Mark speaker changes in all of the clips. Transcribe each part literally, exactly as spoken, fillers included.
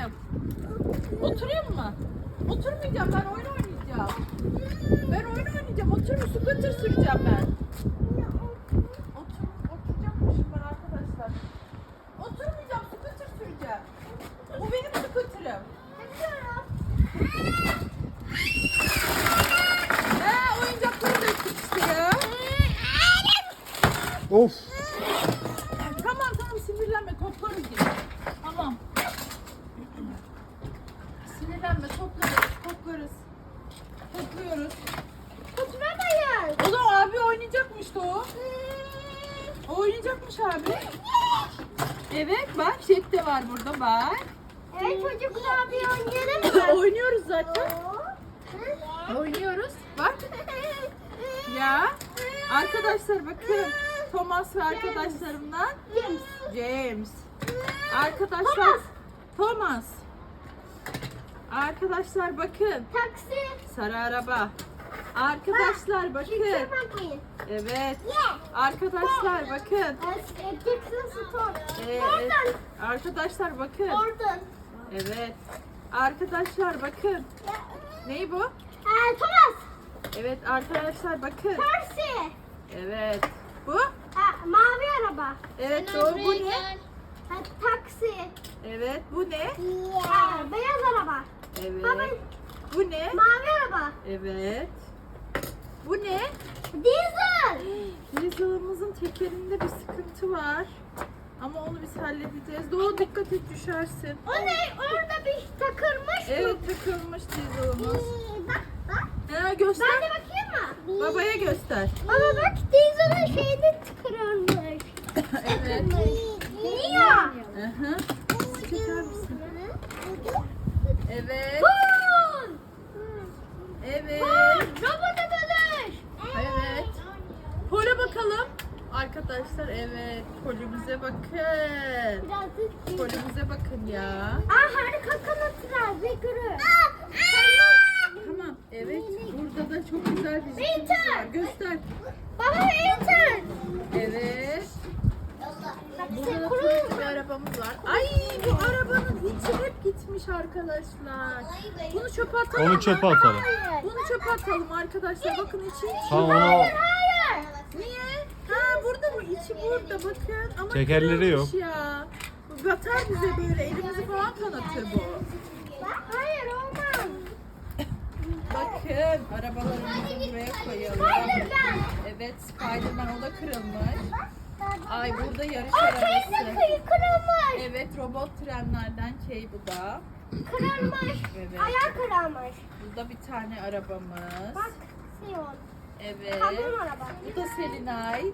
Speaker 1: oturayım. Oturayım mı? Oturmayacağım, ben oyun oynayacağım. Ben oyun oynayacağım. Oturayım, scooter süreceğim ben. Otur, oturacakmışım ben arkadaşlar. Oturmayacağım, scooter süreceğim. Bu benim scooter'ım. Ha, oyuncakları döktük işte ya.
Speaker 2: Of.
Speaker 1: Tamam tamam, sinirlenme, toplarız yine. Tamam. Sinirlenme, toplarız, toplarız. Topluyoruz.
Speaker 3: Oturamayız.
Speaker 1: O da abi oynayacakmıştı o. O oynayacakmış abi. Evet bak, Jet de var burada bak.
Speaker 3: Evet çocuklar bir oynayalım mı?
Speaker 1: Oynuyoruz zaten. Oynuyoruz. Bak. Ya. Arkadaşlar bakın. Thomas ve arkadaşlarımdan
Speaker 3: James.
Speaker 1: James. Arkadaşlar Thomas. Arkadaşlar bakın.
Speaker 3: Taksi.
Speaker 1: Sarı araba. Arkadaşlar bakın.
Speaker 3: Yüksek bakmayın.
Speaker 1: Evet. Arkadaşlar bakın.
Speaker 3: Jackson Stone.
Speaker 1: Evet.
Speaker 3: Oradan.
Speaker 1: Arkadaşlar bakın.
Speaker 3: Oradan.
Speaker 1: Evet. Arkadaşlar bakın. Ney bu?
Speaker 3: Ee, Thomas.
Speaker 1: Evet arkadaşlar bakın.
Speaker 3: Percy.
Speaker 1: Evet. Bu?
Speaker 3: Ha, mavi araba.
Speaker 1: Evet doğru, bu ne?
Speaker 3: Ha, taksi.
Speaker 1: Evet bu ne?
Speaker 3: Ha, beyaz araba. Baba,
Speaker 1: Evet. Bu ne?
Speaker 3: mavi araba.
Speaker 1: Evet. Bu ne?
Speaker 3: Diesel.
Speaker 1: Yazılımızın tekerinde bir sıkıntı var. Ama onu biz halledeceğiz. Doğru, dikkat et, düşersin.
Speaker 3: O ne? Orada bir takılmış mı?
Speaker 1: Evet, takılmış yazılımız.
Speaker 3: Ee, Bak bak.
Speaker 1: Ha, göster.
Speaker 3: Ben de bakayım mı?
Speaker 1: Babaya göster.
Speaker 3: Baba bak Diesel'ın şeyini tıkırılmış.
Speaker 1: Evet.
Speaker 3: Niye?
Speaker 1: Hı hı. Çeker misin? Evet.
Speaker 3: Pul.
Speaker 1: Evet.
Speaker 3: Pul. Robota dönüş.
Speaker 1: Evet. Pole bakalım. Arkadaşlar evet. Polimize bakın.
Speaker 3: Birazcık.
Speaker 1: Polimize bakın ya.
Speaker 3: Aa harika kanatlar ve gürü.
Speaker 1: Tamam. Evet. Burada da çok güzel bir zıplımız var. Göster.
Speaker 3: Baba enter.
Speaker 1: Evet. Burada da
Speaker 3: Kurul.
Speaker 1: turuncu bir arabamız var. Ay, bu arabanın içi hep gitmiş arkadaşlar. Bunu çöpe atalım.
Speaker 2: Onu
Speaker 1: mı?
Speaker 2: çöpe atalım.
Speaker 1: Bunu çöpe atalım arkadaşlar. Bakın içi.
Speaker 2: Tamam onu
Speaker 3: Hayır.
Speaker 1: Niye? Ha, burada mı? İçi burada, bakın. Ama
Speaker 2: Tekerleri
Speaker 1: kırılmış
Speaker 2: yok.
Speaker 1: ya. Bu batar bize böyle. Elimizi falan kanatır bu.
Speaker 3: Hayır olmaz.
Speaker 1: Bakın arabalarımızı buraya koyalım.
Speaker 3: Spider-Man.
Speaker 1: Evet, Spiderman, o da kırılmış. Ay, burada yarış
Speaker 3: O
Speaker 1: arabası.
Speaker 3: şeyin de kıyı kırılmış.
Speaker 1: Evet, robot trenlerden Kay bu da.
Speaker 3: Kırılmış.
Speaker 1: Evet.
Speaker 3: Ayağı kırılmış.
Speaker 1: Burada bir tane arabamız.
Speaker 3: Bak Sion.
Speaker 1: Evet.
Speaker 3: Kamyon araba.
Speaker 1: Bu da Selinay.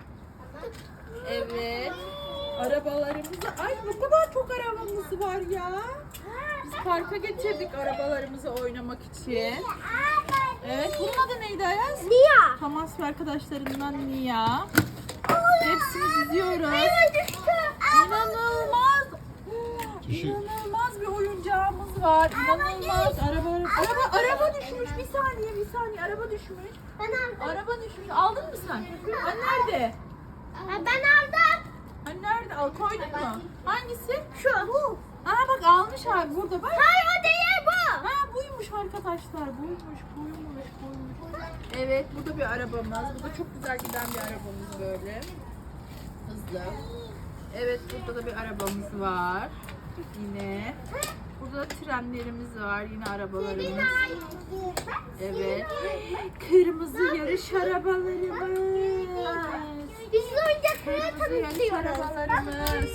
Speaker 1: Evet. Arabalarımızı... Ay, ne kadar çok arabamız var ya. Biz parka getirdik arabalarımızı oynamak için. Evet, bunun adı neydi Ayaz?
Speaker 3: Nia.
Speaker 1: Thomas ve arkadaşlarından Nia. Hepsini diziyoruz.
Speaker 3: Hayır düştü.
Speaker 1: İnanılmaz.
Speaker 2: Düşün.
Speaker 1: İnanılmaz bir oyuncağımız var. İnanılmaz. Araba, araba, araba düşmüş. Bir saniye, bir saniye. Araba düşmüş.
Speaker 3: Ben aldım.
Speaker 1: Araba düşmüş. Aldın mı sen? Hani nerede?
Speaker 3: Ha, Ben aldım.
Speaker 1: Hani nerede? Al, koydun mu? Hangisi?
Speaker 3: Şu. Bu.
Speaker 1: Aa bak, almış abi burada bak.
Speaker 3: Hayır o değil bu.
Speaker 1: Ha, buymuş arkadaşlar. Buymuş, buymuş, buymuş. Evet, bu da bir arabamız. Bu da çok güzel giden bir arabamız böyle. Hızlı. Evet, burada da bir arabamız var. Yine. Burada da trenlerimiz var. Yine arabalarımız. Evet. Kırmızı yarış arabalarımız.
Speaker 3: Biz oyuncakları
Speaker 1: Kırmızı yarış
Speaker 3: tanıtıyoruz.
Speaker 1: arabalarımız.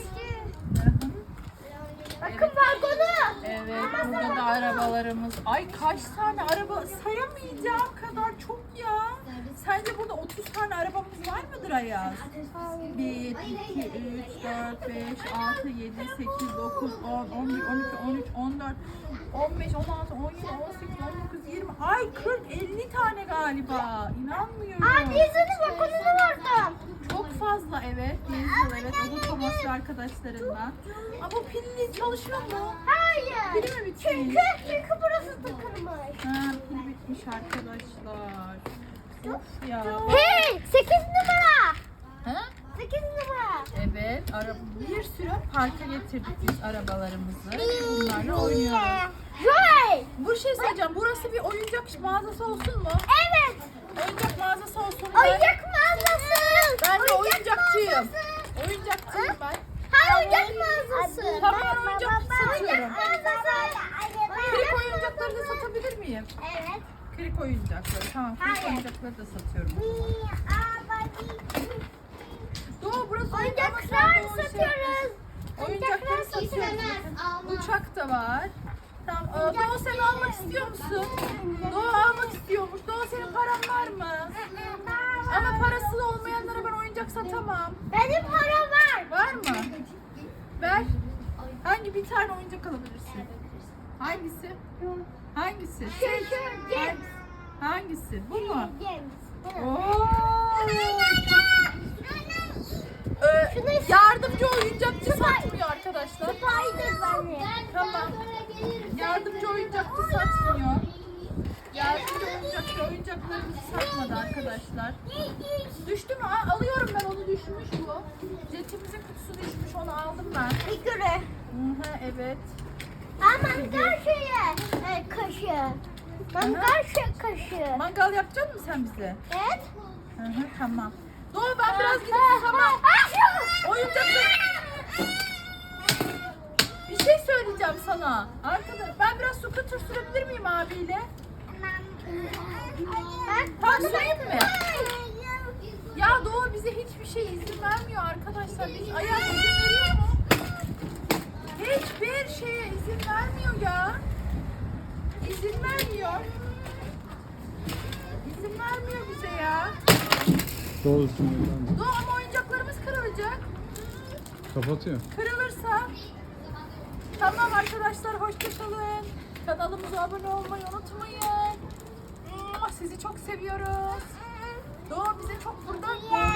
Speaker 3: Bakın vagonu.
Speaker 1: Evet, burada da arabalarımız. Ay, kaç tane araba, sayamayacağım kadar çok ya. Sence burada otuz tane arabamız var mıdır Ayaz? bir, iki, üç, dört, beş, altı, yedi, sekiz, dokuz, on, on bir, on iki, on üç, on dört, on beş, on altı, on yedi, on sekiz, on dokuz, yirmi. Ay, kırk, elli tane galiba. İnanmıyorum.
Speaker 3: Aa Diesel'in vagonunu vurdum.
Speaker 1: Çok fazla, evet. Diesel, evet. O da Thomas ve arkadaşlarından. Aa, bu pilli çalışıyor mu?
Speaker 3: Hayır.
Speaker 1: Pili mi bitmiş?
Speaker 3: Çünkü, çünkü burası takılmış.
Speaker 1: Ha, pil bitmiş arkadaşlar. Of ya.
Speaker 3: Hey sekiz numara.
Speaker 1: Ha?
Speaker 3: sekiz numara.
Speaker 1: Evet, ara bir sürü parka getirdik biz arabalarımızı. Bunlarla oynuyoruz.
Speaker 3: Joy.
Speaker 1: Bu şey söyleyeceğim, burası bir oyuncak mağazası olsun mu?
Speaker 3: Evet.
Speaker 1: Oyuncak mağazası olsun. Ben,
Speaker 3: Oyuncak mağazası.
Speaker 1: ben de
Speaker 3: Oyuncak
Speaker 1: oyuncakçıyım.
Speaker 3: mağazası.
Speaker 1: Oyuncakçıyım ben.
Speaker 3: Hayır, oyuncak mağazası.
Speaker 1: Tamam, ben oyuncak satıyorum.
Speaker 3: Oyuncak mağazası.
Speaker 1: Krik oyuncakları da satabilir miyim?
Speaker 3: Evet.
Speaker 1: Krik oyuncakları, tamam. Krik
Speaker 3: Hayır.
Speaker 1: oyuncakları da satıyorum. Doğu burası
Speaker 3: Oyuncaklar
Speaker 1: oyuncak şey-
Speaker 3: satıyoruz.
Speaker 1: Oyuncakları satıyoruz. Bakın. Uçak da var. Tamam. Aa, Doğu sen almak istiyor musun? Doğu almak istiyormuş. Doğu senin paran var mı? Ama parası olmayanlara ben oyuncak satamam.
Speaker 3: Benim param var.
Speaker 1: Var mı? Ver. Hangi bir tane oyuncak alabilirsin? Hangisi? Hangisi?
Speaker 3: Şu, şu, James.
Speaker 1: Hangisi? Bu mu?
Speaker 3: James.
Speaker 1: Oo. Ee,
Speaker 3: Şunu-
Speaker 1: yardımcı oyuncakçı satmıyor arkadaşlar.
Speaker 3: Spider-Man'i.
Speaker 1: Tamam. Yardımcı oyuncakçı satmıyor. Yardımcı oyuncakçı oyuncaklarımızı satmadı arkadaşlar. Düştü mü? Aa, alıyorum ben, onu düşmüş bu. Jetimizin kutusu düşmüş, onu aldım ben.
Speaker 3: Figürü.
Speaker 1: Hı hı, evet.
Speaker 3: Aa, mangal şeye. E, kaşığı. Mangal şey kaşığı.
Speaker 1: Mangal yapacak mısın sen bize?
Speaker 3: Evet.
Speaker 1: Hı hı, tamam. Doğu ben biraz gidip tamam. Oyuncaklar. Bir şey söyleyeceğim sana. Arkadaş ben biraz scooter sürebilir miyim abiyle? Tamam, süreyim mi? Ya Doğu bize hiçbir şey izin vermiyor arkadaşlar. Biz ayak izin veriyor mu? Hiçbir şeye izin vermiyor ya. İzin vermiyor. İzin vermiyor bize ya.
Speaker 2: Doğrusun efendim.
Speaker 1: Doğu ama oyuncaklarımız kırılacak.
Speaker 2: Kapatıyor.
Speaker 1: Kırılırsa. Tamam arkadaşlar, hoşça kalın. Kanalımıza abone olmayı unutmayın. Sizi çok seviyoruz. Doğu bize çok burada